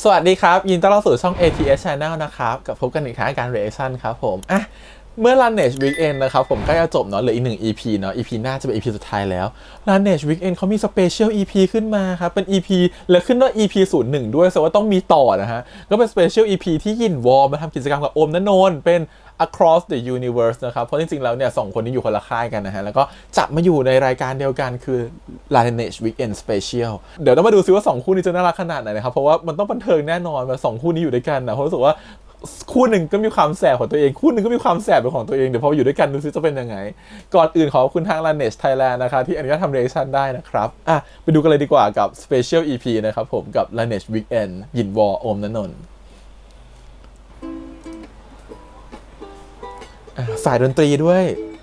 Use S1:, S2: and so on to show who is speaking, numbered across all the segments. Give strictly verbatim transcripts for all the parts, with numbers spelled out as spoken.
S1: สวัสดีครับยินดีต้อนรับสู่ช่อง เอ ที เอส Channel นะครับกับพบกันอีกครั้งการ reaction ครับผมอ่ะเมื่อ Laneige Weekend นะครับผมใกล้จะจบเนาะเหลืออีกหนึ่ง อี พี เนาะ อี พี หน้าจะเป็น อี พี สุดท้ายแล้ว Laneige Weekend เขามี Special อี พี ขึ้นมาครับเป็น อี พี และขึ้นว่า อี พี ศูนย์หนึ่งด้วยแสดงว่าต้องมีต่อนะฮะก็เป็น Special อี พี ที่ยินวอลมาทำกิจกรรมกับโอมณนนท์เป็น Across the Universe นะครับเพราะจริงๆแล้วเนี่ยสองคนนี้อยู่คนละค่ายกันนะฮะแล้วก็จับมาอยู่ในรายการเดียวกันคือ Laneige Weekend Special เดี๋ยวต้องมาดูซิว่าสองคู่นี้จะน่ารักขนาดไหนนะครับเพราะว่ามันต้องบันเทิงแน่นอนว่าสองคู่นี้อยู่ด้วยกันนะเพราะรู้สึกว่าคู่หนึ่งก็มีความแสบของตัวเองคู่หนึ่งก็มีความแสบเป็นของตัวเองเดี๋ยวพออยู่ด้วยกันดูซิจะเป็นยังไงก่อนอื่นขอบคุณทาง Laneige Thailand นะคะที่อนุญาตทำ reaction ได้นะครับอ่ะไปดูกันเลยดีกว่ากับ Special อี พี นะครับผมกับ Laneige Weekend ยินวอโอมณนนท์สายดนตรีด้วย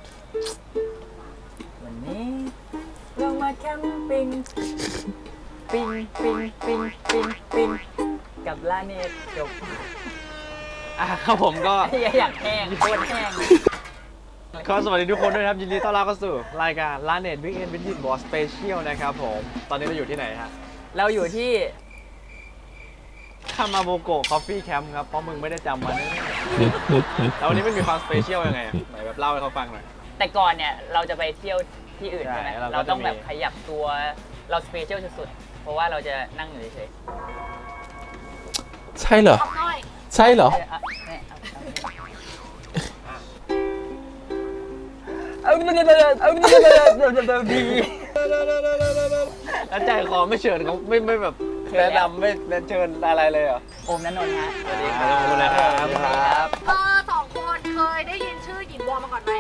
S2: วันนี้เรามาแคมปิ้งปิ้งปิ้งปิ้งปิ้งปิ้งกับลาเนตจบ
S3: อ่ะครับผมก็
S2: อยากแห้งโคตรแห้ง
S3: ขอสวัสดีทุกคนด้วยครับยินดีต้อนรับเข้าสู่รายการ Laneige Weekend with Yin Boss Special นะครับผมตอนนี้เราอยู่ที่ไหนฮะ
S2: เราอยู่ที่
S3: คามาโมโกะคอฟฟี่แคมป์ครับเพราะมึงไม่ได้จำมาเนี่ยแล้ววันนี้มันมีความสเปเชียลยังไงอ่ะไหนแบบเล่าให้เขาฟังหน่อย
S2: แต่ก่อนเนี่ยเราจะไปเที่ยวที่อื่นใช่ไหม
S3: เรา
S2: เราต้องแบบขยับตัวเราสเปเชียลสุดๆเพราะว่าเราจะนั่งอยู่เฉย
S1: ใช่เหรอใช่เหรอ
S2: เอาเอาเอาดี
S3: แล้วใจคอไม่เชิญเขาไม่ไม่แบบแนะนำไม่เชิญอะไรเลยเหรอ
S2: โอมณนนท์ฮะ
S3: สวัสดีครับสวัสดีครับ
S4: เออสองคนเคยได้ยินชื่อหยินวอมาก่อนไหม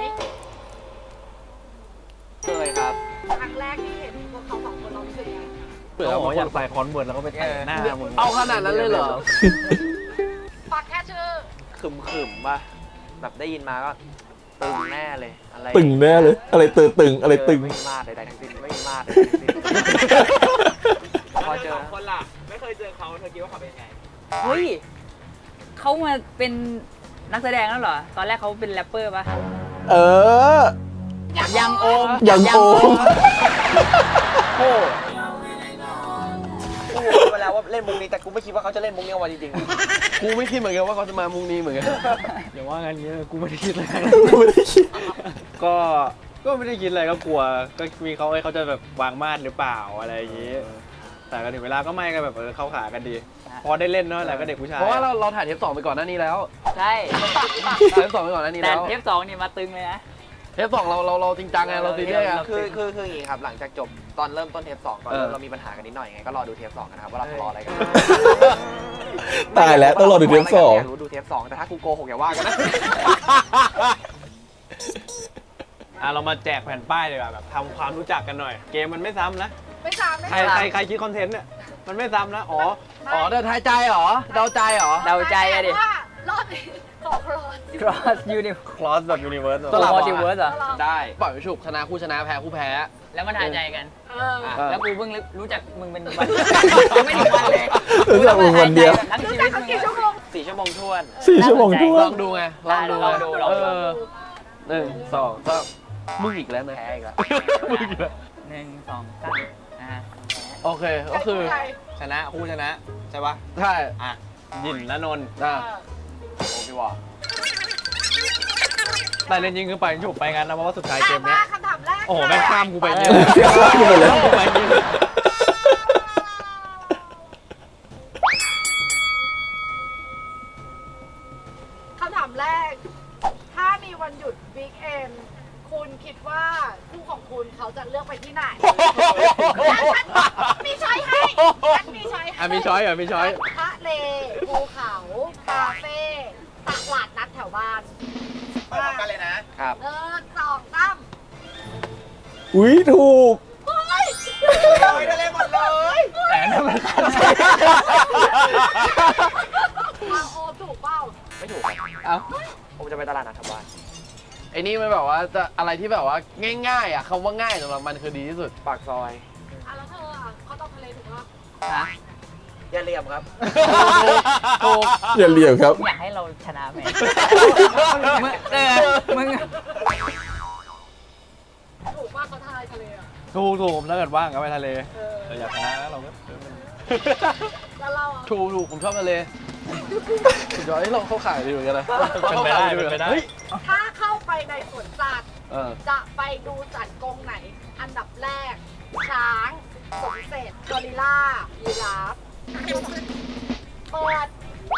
S3: เคยครับ
S4: ครั้งแรกที่เห็นพวกเขาสองคนเรารู้สึกยังไง
S3: เปิดหมออยากใส่คอนเวิร์ตแล้วก็ไปแต่งหน้ามึง
S5: เอาขนาดนั้นเลยเหรอ
S4: ฟังแค่ชื่อ
S5: ขึมขึมป่ะแบบได้ยินมาก็ตึงแน่เลยอะไร
S1: ตึงแน่เลยอะไรตึงตึงอะไรตึง
S5: ไม่มีมาดใดๆทั้งสิ้นไม่มีมาดใดๆทั้งสิ้นพอเจอ
S3: คนล่ะไม่เคยเจอเขาเธอคิดว่าเขาเป็นไง
S2: เฮ้ยเขามาเป็นนักแสดงแล้วเหรอตอนแรกเขาเป็นแรปเปอร์ป่ะ
S1: เออ
S2: ยังโอม
S1: ยังโอม
S5: โอ้กูรู้แล้วว่าเล่นมุกนี้แต่กูไม่คิดว่าเขาจะเล่นมุกนี้ออกมาจริงๆกูไม่คิดเหมือนกันว่าเขาจะมามุกนี้เหมือนกัน
S3: อย่าว่างั้นเงี้ยกูไม่ได้คิดเลย
S1: กูไม่ได้คิด
S3: ก็ก็ไม่ได้คิดอะไรก็กลัวก็มีเขาเขาจะแบบวางมาดหรือเปล่าอะไรอย่างงี้แต่ก็ถึงเวลาก็ไม่กันแบบเออเข้าขากันดีพอได้เล่นเนาะแล้วก็เด็กผู้ชาย
S5: เพราะว่าเราเราถ่ายเทปสองไปก่อนหน้านี้แล้ว
S2: ใช่
S5: เทปสองไปก่อนหน้านี้แล้ว
S2: แต่เทปสองนี่มาตึงเลยนะ
S5: เทปสองเราเราเราจริงจังไงเราซีเรียสไงคือคือคืออย่างนี้ครับหลังจากจบตอนเริ่มต้นเทปสองตอนเรามีปัญหากันนิดหน่อยไงก็รอดูเทปสองกันนะครับว่าเราทะเลาะอะไรกัน
S1: ตายแล้วต้องรอดูเทปสอง
S5: รู้ดูเทปสองแต่ถ้ากูโกหกอย่าว่ากันนะ
S3: อ่ะเรามาแจกแผ่นป้ายเลยแบบทำความรู้จักกันหน่อยเกมมันไม่ซ้ำนะ
S4: ไม่ซ้ำไม่
S3: ใครใครใครคิดคอนเทนต์เนี่ยมันไม่ซ้ำนะอ๋อ
S5: อ๋อเดาทายใจเหรอเดาใจเหรอ
S2: เดาใจอะดิ
S4: รอบนี้ขอ
S2: cross universe
S3: cross แบบ universe
S2: ตัว multiverse เหรอ
S5: ได้ปล่อยฉุบชนะคู่ชนะแพ้คู่แพ้
S2: แล้วมันทายใจกันแล้วกูเพิ่งรู้จักมึงเป็นวันไม่
S1: ถึ
S2: งวันเลย
S1: รู้จักมึงวันเดียว
S2: ทั้งชีวิตมึง
S4: กี่ชั่วโมง
S5: สี่ชั่วโมงทวน
S1: สี่ชั่วโมงทวน
S5: ลองดูไงลองดู
S2: ลองดูลองดู
S5: หนึ่งสองสามมึงอีกแล้วนะ
S2: แพ้อีกแล้วมึงอีกแล้วหนึ่งสองสามอ่า
S5: โอเคก็คือ
S3: ชนะคู่ชนะใช่ปะ
S5: ใช่
S3: อ่ะยินณนนท์
S5: อ่ะ
S3: โอ้พี่วะแต่เล่นยิงคือไปฉุบไปงั้นนะเพราะว่าสุดท้ายเกมนี้
S4: คำถามแรก
S3: โอ้โหแม่งข้ามกูไปเนี่ย
S4: คำถามแรกถ้ามีวันหยุดวีคเอนด์คุณคิดว่าคู่ของคุณเขาจะเลือกไปที่ไหนมีช้อยให้มีช้อยให้
S3: มีช้อยเหรอมีช้อย
S4: ทะเลภูเขาคาเฟ่ตลาดนัดแถวบ้าน
S5: ไปพร้อมกันเลยนะครับ
S4: เออสองสาม
S1: อุ้ยถูก
S4: เฮ้ย
S5: ไม่ได้เล่นหมดเลย
S3: แต่นั่นมัน
S4: โอ้ถูกเปล่า
S5: ไม่ถูกเอ้าผมจะไปตลาดนัดแถวบ้านไอ้นี่มันแบบว่าจะอะไรที่แบบว่าง่ายๆอ่ะคำว่าง่ายสำหรับมันคือดีที่สุดปากซอย
S4: อ่ะแล้วเธออ่ะเขาต้องทะเลถูกป่ะ
S2: ฮะ
S5: อย่าเหลี่ยมครับ
S2: ถูก
S1: อย่าเหลี่ยมครับ
S2: อยากให้เราชนะไหมมึงเออมึง
S4: ถูกว่าเขาทายทะเลอ่ะ
S3: ถูกถูกถ้าเกิดว่างก็ไปทะเลแต่อยากชนะแล้วเราก็
S4: แล้วเราอะ
S5: ถูกถูกผมชอบทะเลสุดยอดที่เราเข้าข่ายดีเหมือนกันนะ
S3: เป็นไปได้เป็นไปได้
S5: เฮ้ย
S4: ถ้าเข้าไปในสวนสัตว์
S5: เออ
S4: จะไปดูสัตว์กรงไหน อันดับแรก ช้างสมเสร็จกอริลลายีราฟเปิด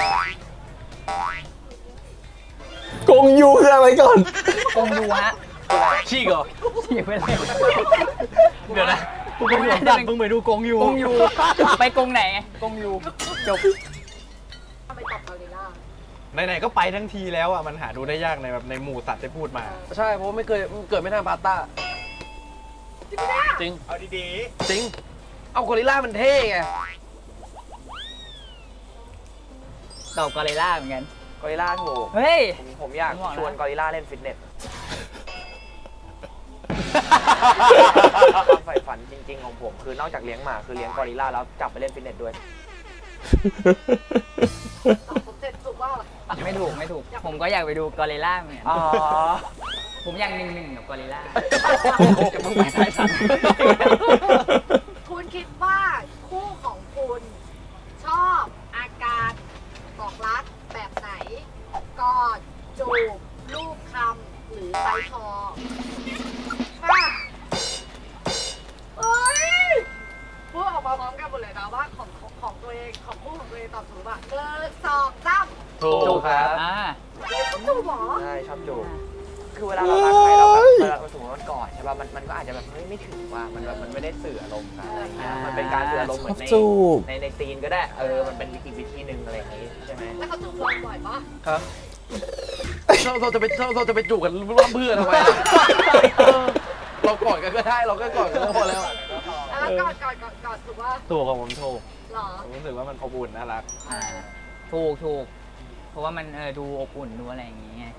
S1: กงยูคืออะไรก่อน
S2: กงยูฮะ
S5: ชี้เหรอ
S2: ฉีกไปเลย
S3: เดี๋ยวนะกูก็ไม่ได้ดันมึงไปดูกงยู
S2: กงยูไปกงไหนไงกงยูจบ
S4: ทำไมตอบกอริลลา
S3: ไหนๆก็ไปทั้งทีแล้วอ่ะมันหาดูได้ยากในแบบในหมู่สัตว์ที่พูดมา
S5: ใช่เพราะว่าไม่เคยเกิดไม่ทันพาสต้า
S4: จริงไหมเนี่ย
S5: จริง
S3: เอาดี
S5: จริง เอากอริลลามันเท่ไง
S2: ตอบกอริลลาเหมือนกัน
S6: กอริลลาถูก
S2: เฮ้ย
S6: ผมผมอยาก
S2: ผมบอกนะ
S6: ชวนกอริลลาเล่นฟิตเนสความใฝ่ฝันจริง ๆ ของผมคือนอกจากเลี้ยงหมาคือเลี้ยงกอริลลาแล้วจับไปเล่นฟิตเนสด้วย
S4: ตอบสมเสร็จถูกว่า
S2: ไม่ถูกไม่ถูก ผมก็อยากไปดูกอริลลาเหมือนกัน
S6: อ๋อ
S2: ผมอยากหนึ่งหนึ่งกับกอริลลาจะมึงไปท้ายสัน
S4: คุณคิดว่าคู่ของคุณชอบอาการบอกรักแบบไหน กอดจูบลูบคำหรือไซคอค่ะเอ้ยพูดออกมาพร้อมกันหมดเลยนะว่าของของของตัวเองของคู่ของตัวเองตอบถูกป่ะหนึ่งสองสาม
S5: ถูกครับ
S2: อ่า
S4: จูบเหรอ
S6: ใช่ชอบจูบคือเวลาเรารักใครเราแบบเวลาเราสมมติว่ามันกอดใช่ป่ะมันมันก็อาจจะแบบเฮ้ยไม่ถึงว่ามันแบบมันไม่ได้สื่ออารมณ์กันอะไรเงี้ยมันเป็นการสื่ออารมณ์เหมือนใน
S1: จูบ
S6: ในในซีนก็ได้เออมันเป็นอีกวิธีหนึ่งอะไรอย่างงี้ใช่ไหม
S4: แล้วเขาจูบเราบ่อยปะ
S5: ครับเราเราจะไปเราเราจะไปจูบกันร่วมเพื่อนทำไมเออเรากอดกันก็ได้เราก็กอดกันก็พอแล้ว
S4: แล้วกอดกอดกอดกอดถูกว่า
S3: ๆถูกของผมถูก
S4: หรอ
S3: ผมรู้สึกว่ามันอบอุ่นน่ารัก
S2: อ่าถูกถูกเพราะว่ามันเออดูอบอุ่นดูอะไรอย่างงี้ไง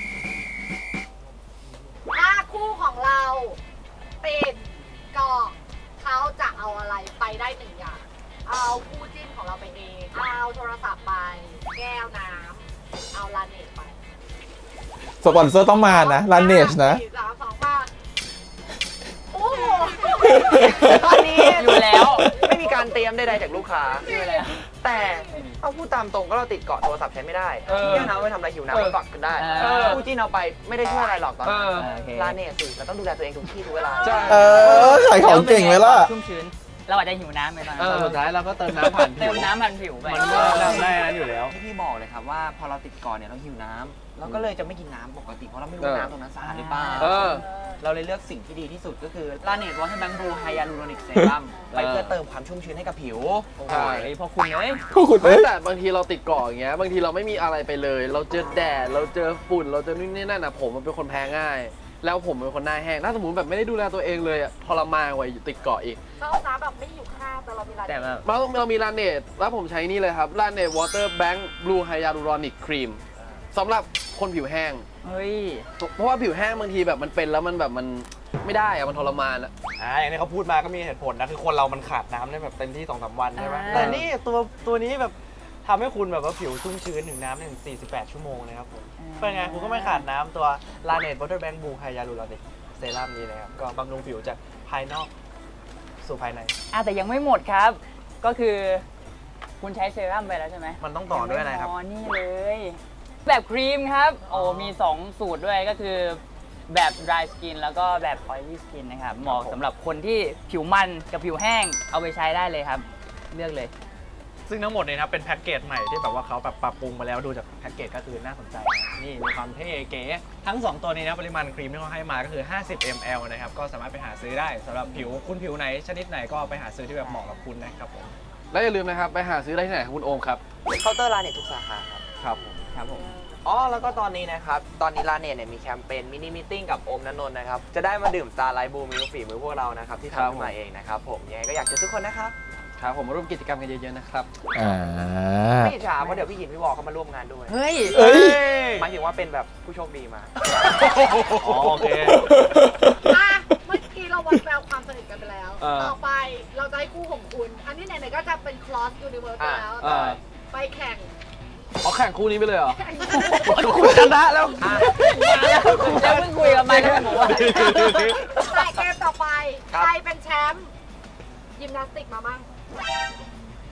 S4: ถ้าคู่ของเราติดเกาะเขาจะเอาอะไรไปได้หนึ่งอย่าง เอาคู่จิ้นของเราไปเอง เอาโทรศัพท์ไป แก้วน้ำ เอาลาเนตไป
S1: สปอนเซอร์ต้องมานะลาเนชนะ
S4: สี่สามสองมาโอ้โห
S6: ตอนนี้
S2: อยู่แล้ว
S6: ไม่มีการเตรียมใดๆจากลูกค้า
S2: อยู่แล้ว
S6: แต่เอาพูดตามตรงก็เราติดเกาะโทรศัพท์ใช้ไม่ได้
S5: เออ
S6: เที่ยวน้ำไปทำอะไรหิวน้ำก็ฝักกันได้
S2: เออ
S6: คู่จิ้นเอาไปไม่ได้ช่วยอะไรหรอกตอนนั้น
S5: เออ
S2: โอเค
S6: ลาเนตสิเราต้องดูแลตัวเองทุกที่ทุกเวลา
S5: ใช่
S1: เออขายของเก่งไหมล่ะ
S2: ชุ่มชื้น เราอาจจะหิวน้ำไปตอน
S5: เอ
S2: นั้น
S5: อ
S3: สุดท้ายเราก็เติมน้ำผ่านผิ
S2: เติ
S3: ว
S2: มน้ำพันผิวไป
S3: มันก็ได้นั้นอยู่แล้ว
S6: ที่พี่บอกเลยครับว่าพอเราติดเกาะเนี่ยเราหิวน้ำเราก็เลยจะไม่กินน้ำปกติเพราะเราไม่รู้
S5: เออ
S6: ว่าน้ำตรงนั้นสะอาดหรือเปล่า
S5: เออ
S6: เราเลยเลือกสิ่งที่ดีที่สุดก็คือลาเนตวอเตอร์แบงค์บลูไฮยาลูโรนิกเซรั่มไปเพื่อเติมความชุ่มชื้นให้กับผิว
S5: ใช่
S2: เฮ้ยพอคุณเอ้ย
S1: พวกคุณ
S5: ไม่
S1: เอ้ย
S5: แต่บางทีเราติดเกาะอย่างเงี้ยบางทีเราไม่มีอะไรไปเลย เราเจอแดดเราเจอฝุ่นเราเจอนู่นนี่นั่นนะผมมันเป็นคนแพ้ง่าย แล้วผมเป็นคนหน้าแห้งถ้าสมมติแบบไม่ได้ดูแลตัวเองเลยอะทรมานกว่าติดเกาะอีก
S4: ชอบน้ำแบบไม่อยู่ข้างแต่เรามีลาเน
S2: แต่
S4: ต
S2: แบบ
S5: เราเรามีลาเนตแล้วผมใช้นี่เลยครับลาเนตวอเตอร์แบงค์บลูไฮยาลูรอนิกครีมสำหรับคนผิวแห้ง
S2: เฮ้ย
S5: เพราะว่าผิวแห้งบางทีแบบมันเป็นแล้วมันแบบมันไม่ได้อะมันทรมานอะ
S3: อ่าอย่างที่เขาพูดมาก็มีเหตุผลนะคือคนเรามันขาดน้ำได้แบบเต็มที่สองสามวันใช่ไหม
S2: อ่า
S3: แต่นี่ตัวตัวนี้แบบทำให้คุณแบบว่าผิวชุ่มชื้นถึงน้ำถึงสี่สิบแปดชั่วโมงนะครับผมเป็นไงคุณก็ไม่ขาดน้ำตัวลาเนตวอเตอร์แบงค์บูไฮยาลูรอนิกเซรั่มนี้นะครับก็บำรุงผิวจากภายนอกสู่ภายใน
S2: อ่ะแต่ยังไม่หมดครับ ก็คือคุณใช้เซรั่มไปแล้วใช่ไหม
S3: มันต้องต่อด้วยอะไรครับ
S2: ยังไม่พอนี่เลย แบบครีมครับ โอ้มีสองสูตรด้วยก็คือแบบ dry skin แล้วก็แบบ oily skin นะครับเหมาะสำหรับคนที่ผิวมันกับผิวแห้งเอาไปใช้ได้เลยครับ เลือกเลย
S3: ซึ่งทั้งหมดเนี่ยนะครับเป็นแพ็กเกจใหม่ที่แบบว่าเขาแบบปรับปรุงมาแล้วดูจากแพ็กเกจก็คือน่าสนใจนะนี่มีความเท่เก๋ทั้งสองตัวนี้นะปริมาณครีมที่เขาให้มาก็คือห้าสิบมิลลิลิตร นะครับก็สามารถไปหาซื้อได้สำหรับผิวคุณผิวไหนชนิดไหนก็ไปหาซื้อที่แบบเหมาะกับคุณนะครับผม
S5: และอย่าลืมนะครับไปหาซื้อได้ที่ไหนครับคุณโอมครับ
S6: เคาน์เตอร์ลาเนตทุกสาขาครับ
S5: ครับ
S2: ครับผม
S6: อ๋อ แล้วก็ตอนนี้นะครับ ตอนนี้ลาเนตเนี่ยมีแคมเปญมินิมิทติ้งกับโอมนันนนท์นะครับ จะได้มาดื่มสตาร์ไลท์บูมิลฝีมือพวกเรานะครับ ที่
S5: ครับ
S6: ทำขึ้นมาเองนะครับผมยังไงก็อยากเจอทุกคนนะครับ
S5: ครับผมมาร่วมกิจกรรมกันเยอะๆนะครับ
S1: อ่า
S6: ไม่อิจฉาเพราะเดี๋ยวพี่หยินพี่วอเขามาร่วมงานด้วย
S2: เฮ้ย
S1: เอ้ย
S6: หมายถึงว่าเป็นแบบผู้โชคดีมา
S3: อ๋อโอเค
S4: อ่ะเมื่อกี้เราวัดแววความสนิทกันไปแล้ว
S3: เออ
S4: ต่อไปเราจะให้คู่ของคุณ อันนี้ไหนๆก็จะเป็น cross universe ไปแล้ว
S5: อ่า
S4: ไปแข่ง
S5: เอาแข่งคู่นี้ไปเลยเหรอ
S4: แข่ง
S5: คุณชนะแล้ว
S2: มาแล้วเพิ่งคุยกับมันแล้วผมว่า
S4: แต่เกมต่อไป
S6: ครับ
S4: ใครเป็นแชมป์ยิมนาสติกมามั่ง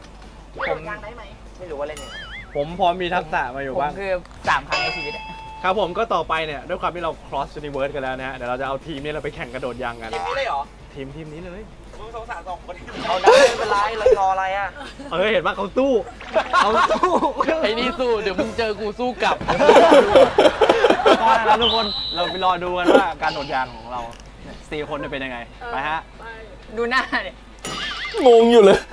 S4: พี่โดดยางได้ไหม
S6: ไม่รู้ว่าเล่นยังไง
S3: ผมพอมีทักษะมาอยู่
S2: ผม
S3: บ้าง
S2: คือสามครั้งในชีวิตอะ
S3: ครับผมก็ต่อไปเนี่ยด้วยความที่เรา cross universe กันแล้วนะฮะเดี๋ยวเราจะเอาทีมนี้เราไปแข่งกระโดดยางกัน
S6: ทีมนี้เลยเหรอ
S3: ทีมทีมนี้เลย
S6: มึงสงสารสองคนเอาได้ไม่เป็นไรเรารออะไรอ่ะ
S3: เออเห็นว่าเขาสู้เขาสู้
S5: ไอ้นี่สู้เดี๋ยวมึงเจอกูสู้กลับ
S3: ก็นะครับทุกคนเราไปรอดูกันว่าการโดดยางของเราสี่คนจะเป็นยังไงไปฮะ
S2: ดูหน้าเนี่ย
S1: งงอยู่เลย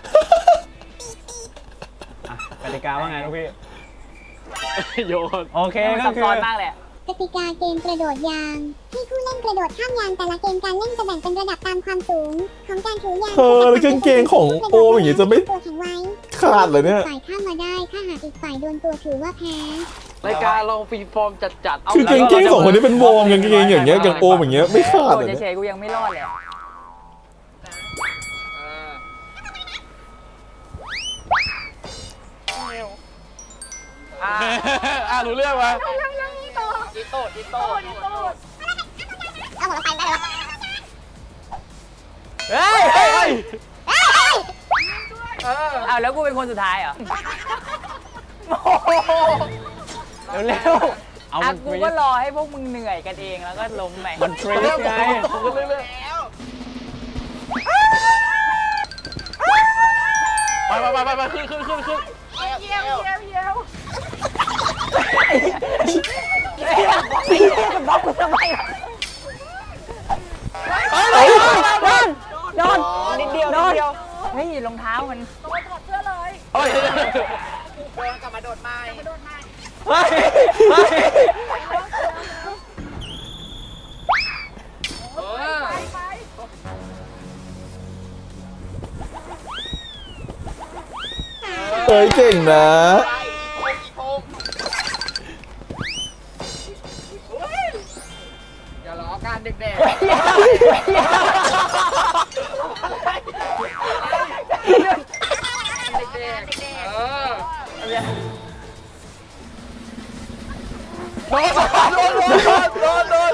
S3: อ่ะกติกาว่าไงลูกพี่ โยนโอเค
S2: มัน
S3: ก็
S2: ซับ
S3: คื
S2: ซ้อน
S3: อ
S2: มากเลยอะ
S7: กติกาเกมกระโดดยาง ให้ผู้เล่นกระโดดข้ามยางแต่ละเกมการเล่นจะแบ่งเป็นระดับตามความสูงของการถือยาง
S1: เธอแล้วกางเกงของโอมอย่างงี้จะไม่
S7: ตัวแข็งไว้
S1: ขาดเลยเนี่ย
S7: ฝ่ายข้ามมาได้ถ้าหากอีกฝ่ายโดนตัวถือว่าแพ้
S5: รายการเราฟรีฟอร์มจัดๆ
S1: คือกางเกงสองคนนี้เป็นวอร์มกางเกงอย่างเงี้ยอย่างโอมอย่างเงี้ยไม่ขาด
S2: โด
S1: เล
S2: ด
S1: ยเนี่ย
S2: เฉยๆกูยังไม่รอดเลยอะ
S5: อ่าอ่ารู้เรื่องไหม
S6: ดิโต้ดิโต้
S7: เอาหมดไปได้แล้ว
S2: เฮ้ยเฮ้ยเฮ้ยอ้าวแล้วกูเป็นคนสุดท้ายเหรอ
S3: เร็วๆเอา
S2: อ่ะ
S3: มัน
S2: กูก็รอให้พวกมึงเหนื่อยกันเองแล้วก็ล้มไป
S3: มันฟรีสไง
S5: ผมก็เรื่อยๆไปไปไปไปไปขึ้นขึ้นขึ้นขึ้น
S4: เยี่ยวเยี่ยวเยี่ยว
S2: บล็อกกูทำไมอ่ะ
S6: โดนนิดเดียวนิดเดียว
S2: เฮ้ยรองเท้ามัน
S4: โดนถอดเสื้อเลย
S5: เฮ้ย
S6: โดนกลับมาโดดไม้
S4: มาโดนมา
S3: เฮ้ยเฮ้ย
S4: ไปไป
S1: เฮ้ยเก่งนะ
S6: อย่าล้อการเด็ก
S5: โดนโดนโดนโดนโดน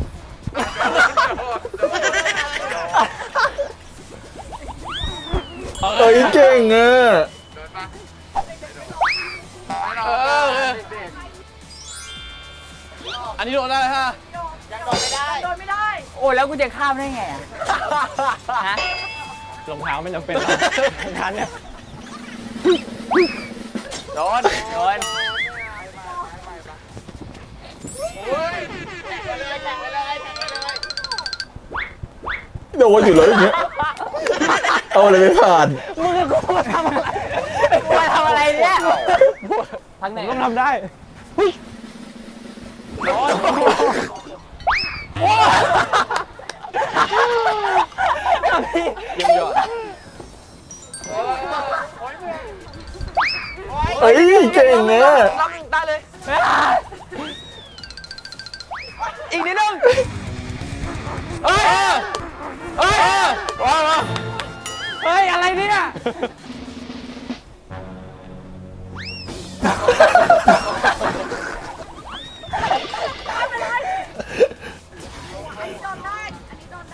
S1: เฮ้ยเก่งอ่ะ
S5: เอออันนี้โดนได้ฮะ
S4: โดนไม่ได้
S2: โอ้แล้วกูจะข้ามได้ไงอ่ะฮะ
S3: รองเท้าไม่จำเป็นหรอกงานเนี่ย
S2: โดนโดน
S1: โดนอยู่เลยอย่างเงี้ยเอาอะไรไม่ผ่าน
S2: มึงกับกูทำอะไรกูมาทำอะไรเนี่ยทางไหน
S3: ผมก็ทำได้
S5: เยี่ยมยอด
S1: เฮ้ยเก่งนะ
S6: รับได้เลย อีกนิดนึง
S5: เฮ้ยเฮ้ยว้าว
S2: เฮ้ยอะไรเนี่ย
S4: อันนี้โดนได้ อันนี้โดนได้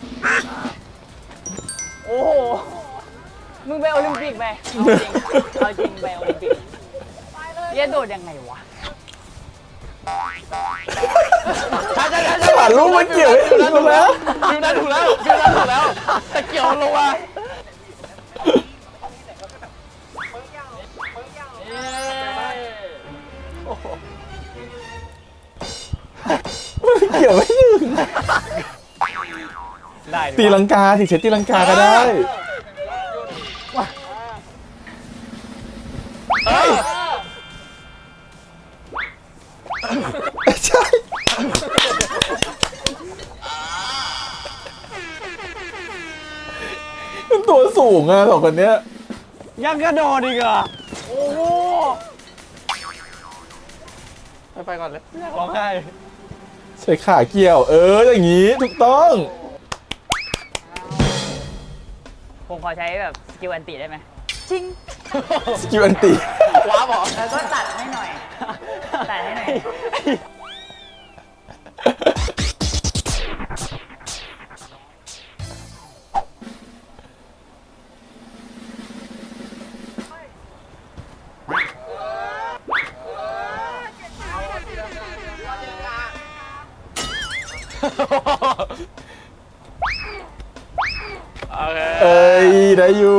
S2: โอ้โหมึงไปโอลิมปิกไปเอาจริงเอาจริงไปโอลิมปิกเรียนโดดยังไงวะ
S5: ใช่ใช่ใช่
S1: ขาดลูกมันเกี่ยวให้ถูกแล้ว
S5: ฟิวนั้นถูกแล้วฟิวนั้นถูกแล้วแต่เกี่ยวลงมา
S1: มันเกี่ยวไม่ถึง
S3: ได้
S1: ตีลังกาสิเช็ดตีลังกาก็ได้
S5: เฮ้ย
S1: ใช่มันตัวสูงอะสองคนเนี้ย
S3: ยังกระโดดอีกเหรอโอ้โห
S5: ไปไปก่อนเลย
S3: ร้องไห้
S1: ใช้ขาเกี่ยว เอออย่างงี้ถูกต้อง
S2: ผมขอใช้แบบสกิลอันติได้ไหมจริง
S1: สกิลอันตี
S5: ว้าบอ
S2: แล้วก็ตัดให้หน่อย ตัดให้หน่อย
S3: โอเค
S1: เอ้ย ได้อยู่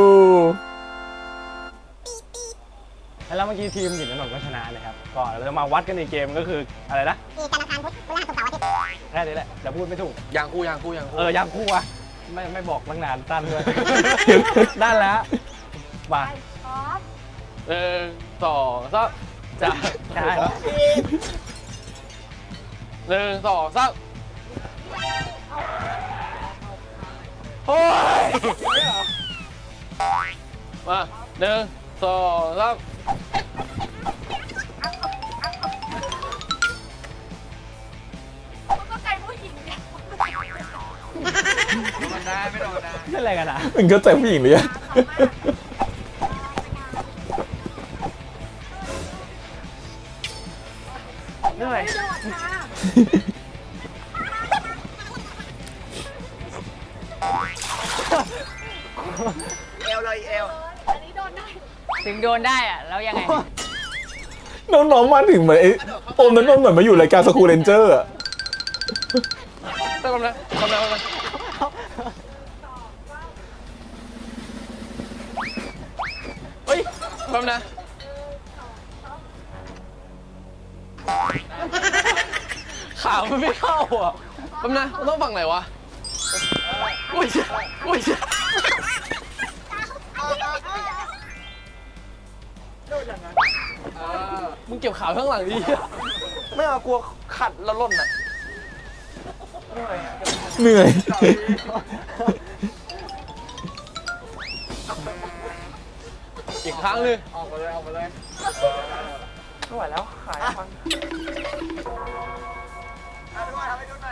S3: แล้วเมื่อกี้ทีมหญิงถนนก็ชนะนะครับก่อนเราจะมาวัดกันในเกมก็คืออะไรนะ
S7: มีการละครพุธพฤหัสศุกร์เสาร์อาทิตย์
S3: แค่นี้แหละจะพูดไม่ถูก
S5: ยางคู่ยางคู่ยางคู่
S3: เออยังคู่อะไม่ไม่บอกตั้งนานตั้นด้วย ด้านแล้วมา
S4: พร้อม
S5: หนึ่งสองสาม
S3: จะใช่
S5: หนึ่งสองสาม
S3: โอ้ย
S5: มาหนึ่งสองสาม
S4: ก็ไก่ผู้หญิงเนี่ย
S6: มันได้ไม่โดนนะ
S3: เล่นอะไรกันอ่ะ
S1: มึงก็ใจผู้หญิงหรือยัง
S3: เหนื่อย
S4: ไม่โดนค่ะ
S6: เอวเลยเอว
S4: อันนี้โดนได้
S2: ถึงโดนได้อะแล้วยังไง
S1: น้องๆมาถึงเหมือนไอ้โอมนั้นมันเหมือนมาอยู่รายการสกูเรนเจอร์อะ
S5: ทำนะทำนะทำนะเฮ้ยทำนะขามันไม่เข้าอ่ะทำนะต้องฝั่งไหนวะอุ้ยอุ้ยมึงเก็บขาข้างหลังดิ
S6: ไม่เอากลัวขัดแล้วล่นอ่ะ
S1: เหนื่อย
S5: อีกครั้งหนึง
S6: ออกมาเลยออกมาเลยไม่ไหวแล้วขายฟังทำให้ดูหน่อย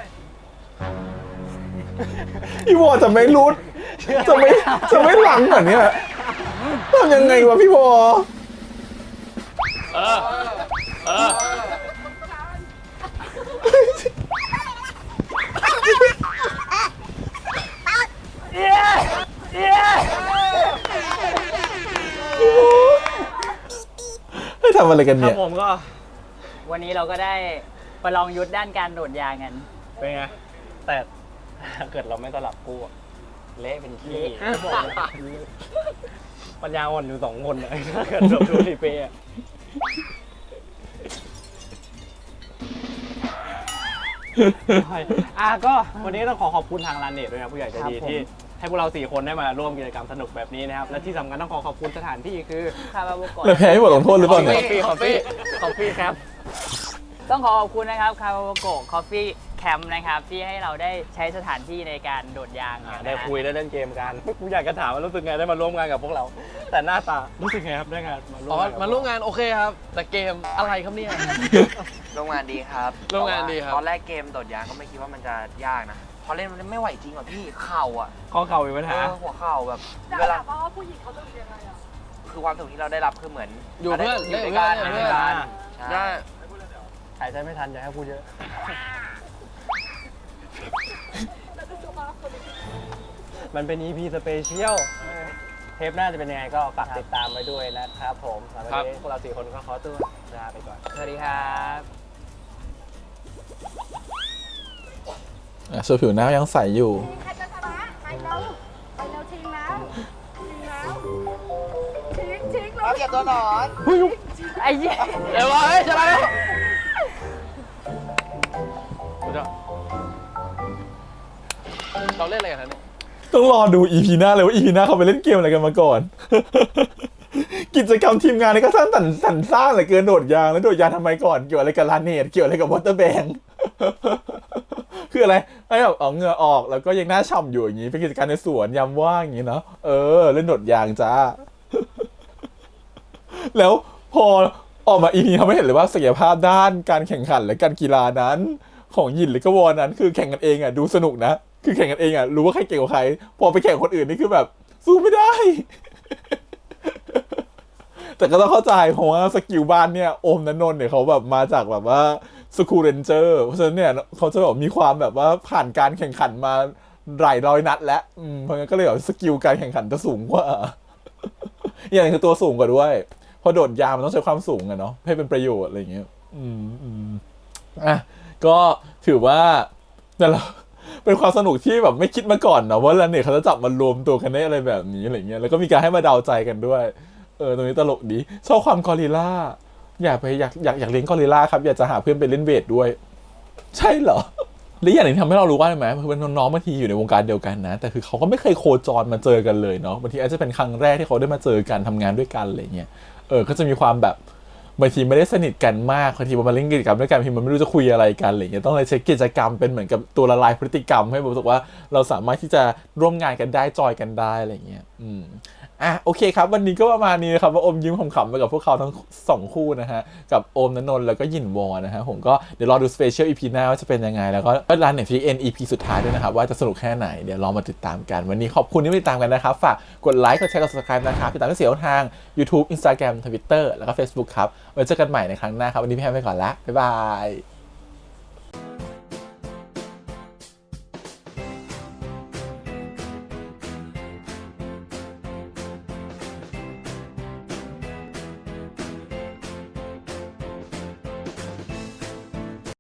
S1: พี่วอจะไม่รู้จะไม่จะไม่หลังเหรอเนี่ยทำยังไงวะพี่วอ
S5: เออเออ
S1: ให้ทำอะไรกัน
S3: ครั
S1: เนี่
S3: บ
S1: ย
S3: ผมก็
S2: วันนี้เราก็ได้ประลองยุทธด้านการโดดยางกัน
S3: เป็นไง แต่ถ้าเกิดเราไม่สลับคู่อะเละเป็นขี้บอกเลยปัญญาอ่อนอยู่สองคนอะถ้าเกิดเราดูรีเพย์อะอ่ะก็วันนี้ต้องขอขอบคุณทางร้านเน็ตด้วยนะผู้ใหญ่ใจดี
S2: ครับผม
S3: ที่ให้พวกเราสี่คนได้มาร่วมกิจกรรมสนุกแบบนี้นะครับ และที่สำคัญต้องขอขอบคุณสถานที่คือ
S2: คาราโบก
S1: แล้วแพ้ให้บทลงโทษหรือเปล่าเนี่ย
S3: คอฟฟี่คอฟฟี่คอฟฟี่ครับ
S2: ต้องขอขอบคุณนะครับคาราโบโกคอฟฟี่แคมป์นะครับ ที่ให้เราได้ใช้สถานที่ในการโดดยาง
S3: อ่า
S2: นะ
S3: ได้คุยได้เล่นเกมกันกูอยากจะถามว่ารู้สึกไงได้มาร่วมงานกับพวกเรา แต่หน้าตารู้สึกไงครับได้งานมาร่ว
S5: อ๋
S3: ม
S5: อ
S3: งานกับ
S5: มาร่วมงานโอเคครับ แต่เกมอะไรครับเนี่ย
S6: โรงงานดีครับ
S5: โรงงานดีครับ
S6: ตอนแรกเกมโดดยางก็ไม่คิดว่ามันจะยากนะ พอเล่นมันไม่ไหวจริงว่ะพี่ เข่าอ่ะ
S3: ข้อเข่ามีปัญ
S6: เอ
S3: หา
S6: อหัวเข่าแบบ
S4: จะ
S6: เวลา
S4: ถามว่าผู้หญิงเขาต้องยังไงอ่ะ
S6: คือความสุขที่เราได้รับคือเหมือน
S5: อยู่เพื่อน
S6: อยู่ด้วยกัน
S5: เล่
S6: อยู่
S5: น
S6: ด้วย
S5: เพื่อน
S6: กัน
S5: ได้
S3: หายใจไม่ทันอย่าให้พูดเยอะ มันเป็น อี พี สเปเชียล เทปหน้าจะเป็นยังไงก็ฝากติดตามไว้ด้วยนะครับผมสำหรับวันนี้พวกเราสี่คนก็ขอตัวลาไปก่อน
S2: สวัสดีครับ
S1: อ่ะส่วนผิวหน้ายังใสอยู่
S4: ใครจะชนะไปเร็วไปเร็วชิงแล้วชิงแล้วชิงชิงแล้ว
S6: เก็บตัวหนอน
S2: ไอ้เหี้ย
S5: เร็ววะเฮ้ยชนะแล้วเราเล่นอะไรกันนะเนี่ย
S1: ต้องรอดู อี พี หน้าเลยว่า อี พี หน้าเขาไปเล่นเกมอะไรกันมาก่อน กิจกรรมทีมงานนี่ก็สร้างสรรค์สรรสร้างเหลือเกินโดดยางแล้วโดดยางทำไมก่อนเกี่ยวอะไรกับลาเนตเกี่ยวอะไรกับวอเตอร์แบง คืออะไรให้แบบเอาเหงื่อออกแล้วก็ยังหน้าฉ่ำอยู่อย่างนี้เป็นกิจกรรมในสวนยามว่างอย่างนี้เนาะเออเล่นโดดยางจ้า แล้วพอออกมา อี พี เขาไม่เห็นเลยว่าศักยภาพด้านการแข่งขันและการกีฬานั้น ของหยินหรือก็วอนั้นคือแข่งกันเองอ่ะดูสนุกนะคือแข่งกันเองอ่ะรู้ว่าใครเก่งกว่าใครพอไปแข่งคนอื่นนี่คือแบบสู้ไม่ได้ แต่ก็ต้องเข้าใจเพราะว่าสกิลบ้านเนี่ยโอมนันนนท์เนี่ยเขาแบบมาจากแบบว่าสกูเรนเจอร์เพราะฉะนั้นเนี่ยเขาจะแบบมีความแบบว่าผ่านการแข่งขันมาหลายร้อยนัดแล้วอืมเพราะงั้นก็เลยแบบสกิลการแข่งขันจะสูงกว่า อย่างนึงคือตัวสูงกว่าด้วยพอโดดยางมันต้องใช้ความสูงอะเนาะให้เป็นประโยชน์อะไรอย่างเงี้ยอืมอืมอ่ะก็ถือว่าแต่เราเป็นความสนุกที่แบบไม่คิดมาก่อนนะว่าแล้วเนี่ยเขาจะจับมารวมตัวกันได้อะไรแบบนี้อะไรเงี้ยแล้วก็มีการให้มาเดาใจกันด้วยเออตรงนี้ตลกดีชอบความกอริลลาอยากไปอยากอยากอยากเลี้ยงกอริลลาครับอยากจะหาเพื่อนไปเล่นเวทด้วยใช่เหรอและอย่างหนึ่งทำให้เรารู้ว่าไหมคือเป็นน้องๆบางทีอยู่ในวงการเดียวกันนะแต่คือเขาก็ไม่เคยโคจรมาเจอกันเลยเนาะบางทีอาจจะเป็นครั้งแรกที่เขาได้มาเจอกันทำงานด้วยกันอะไรเงี้ยเออก็จะมีความแบบบางทีไม่ได้สนิทกันมากบางทีมาเล่นกิจกรรมด้วยกันบางทีมันไม่รู้จะคุยอะไรกันอะไรเงี้ยต้องเลยใช้กิจกรรมเป็นเหมือนกับตัวละลายพฤติกรรมให้รู้สึกว่าเราสามารถที่จะร่วมงานกันได้จอยกันได้อะไรเงี้ยอืมอ่ะโอเคครับวันนี้ก็ประมาณนี้นะครับว่าอมยิ้มขำๆไปกับพวกเขาทั้งสองคู่นะฮะกับโอมณนนท์แล้วก็หยินวอนะฮะผมก็เดี๋ยวรอดูสเปเชียลอีพีหน้าว่าจะเป็นยังไงแล้วก็ร้านเน็ตฟลิกเอ็นอีพีสุดท้ายด้วยนะครับว่าจะสนุกแค่ไหนเดี๋ยวรอมาติดตามกันวันนี้ขอบคุณที่มาติดตามกันนะครับฝากกดไลค์กดแชร์กด Subscribe นะครับติดตามที่เสียงทาง YouTube Instagram Twitter แล้วก็ Facebook ครับไว้เจอกันใหม่ในครั้งหน้าครับวันนี้พี่แฮมไปก่อนละบ๊ายบาย